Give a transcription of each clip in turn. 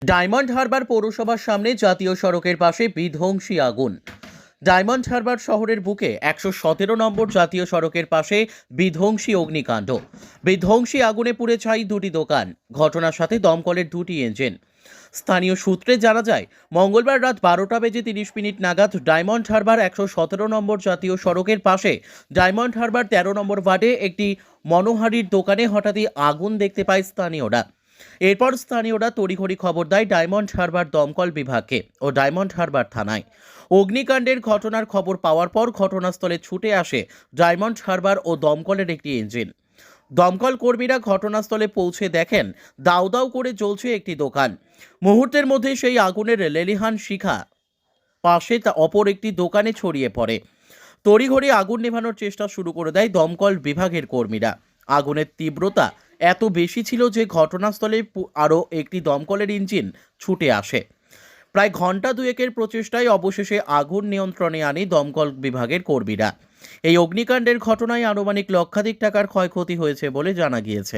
Diamond Harbour পৌরসভার সামনে জাতীয় সড়কের পাশে বিধ্বংসী আগুন। ডায়মন্ড হারবার শহরের বুকে ১১৭ নম্বর জাতীয় সড়কের পাশে বিধ্বংসী অগ্নিকাণ্ড। বিধ্বংসী আগুনে পুড়ে ছাই দুটি দোকান, ঘটনার সাথে দমকলের দুটি ইঞ্জিন। স্থানীয় সূত্রে জানা যায়, মঙ্গলবার রাত ১২টা বেজে ৩০ মিনিট নাগাদ ডায়মন্ড হারবার ১১৭ নম্বর জাতীয় সড়কের পাশে ডায়মন্ড হারবার ১৩ নম্বর ওয়ার্ডে একটি মনোহারীর দোকানে হঠাৎই আগুন দেখতে পায় স্থানীয়রা। এরপর স্থানীয়রা তড়িঘড়ি খবর দেয় ডায়মন্ড হারবার দমকল বিভাগকে ও ডায়মন্ড হারবার থানায়। অগ্নিকাণ্ডের ঘটনার খবর পাওয়ার পর ঘটনাস্থলে ছুটে আসে ডায়মন্ড হারবার ও দমকলের একটি ইঞ্জিন। দমকল কর্মীরা ঘটনাস্থলে পৌঁছে দেখেন দাউ দাউ করে জ্বলছে একটি দোকান। মুহূর্তের মধ্যে সেই আগুনের লেলিহান শিখা পাশে অপর একটি দোকানে ছড়িয়ে পড়ে। তড়িঘড়ি আগুন নেভানোর চেষ্টা শুরু করে দেয় দমকল বিভাগের কর্মীরা। আগুনের তীব্রতা এত বেশি ছিল যে ঘটনাস্থলে আরও একটি দমকলের ইঞ্জিন ছুটে আসে। প্রায় ঘন্টা দুয়েকের প্রচেষ্টায় অবশেষে আগুন নিয়ন্ত্রণে আনে দমকল বিভাগের কর্মীরা। এই অগ্নিকাণ্ডের ঘটনায় আনুমানিক লক্ষাধিক টাকার ক্ষয়ক্ষতি হয়েছে বলে জানা গিয়েছে।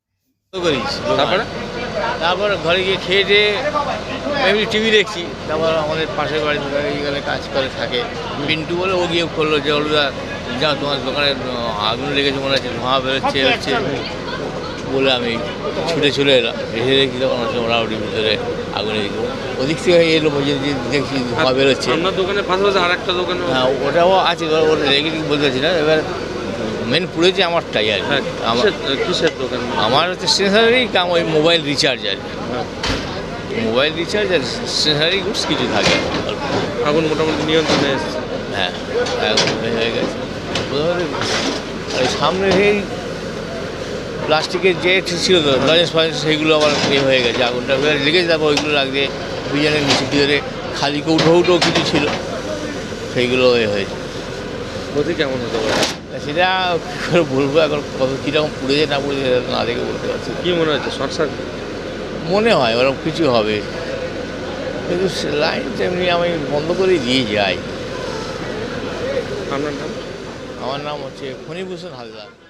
তারপর ঘরে গিয়ে খেয়ে দিয়ে এমনি টিভি দেখছি। তারপর আমাদের পাশের বাড়ি এইখানে কাজ করে থাকে পিন্টু বলে, ও গিয়ে করলো যে অলুদা যা তোমার দোকানে আগুন লেগেছে মনে হচ্ছে, ধোঁয়া বেরোচ্ছে হচ্ছে বলে আমি ছুটে চলে এলাম। এসে দেখি তখন হচ্ছে মোটামুটি ভিতরে আগুনে দিকে ওদিক থেকে এলো, দেখছি ধোঁয়া বেরোচ্ছে। আপনার দোকানের পাশাপাশি আর একটা দোকানে? হ্যাঁ, ওটাও আছে, ওটা রেগে বলতে পারছি না। এবার মেন পুড়েছে আমারটাই আর কি। কিসের দোকান? আমার হচ্ছে স্টেশনারি কাম, ওই মোবাইল রিচার্জ আর কি। মোবাইল রিচার্জ আর স্টেশনারি গুডস কিছু থাকে। আগুন মোটামুটি নিয়ন্ত্রণে এসেছে। হ্যাঁ, আগুন হয়ে গেছে। আর সামনে সেই প্লাস্টিকের যে ছিল তো লজেন্স ফজেন্স, সেইগুলো আবার হয়ে গেছে। আগুনটা লেগেছে, তারপর ওইগুলো লাগবে বিরিয়ানির নিচে ভিতরে খালি কৌটো কিছু ছিল, সেইগুলো হয়েছে। ক্ষতি কেমন হতে পারে সেটা কী করে বলবো, এখন কত কীরকম পুড়েছে না পুড়েছে না দেখে বলতে পারছি। কী মনে হচ্ছে? শর্ট সার্কিট মনে হয় ওরকম কিছু হবে, কিন্তু লাইন তেমনি আমি বন্ধ করেই দিয়ে যাই। আপনার নাম? আমার নাম হচ্ছে ফণীভূষণ হালদার।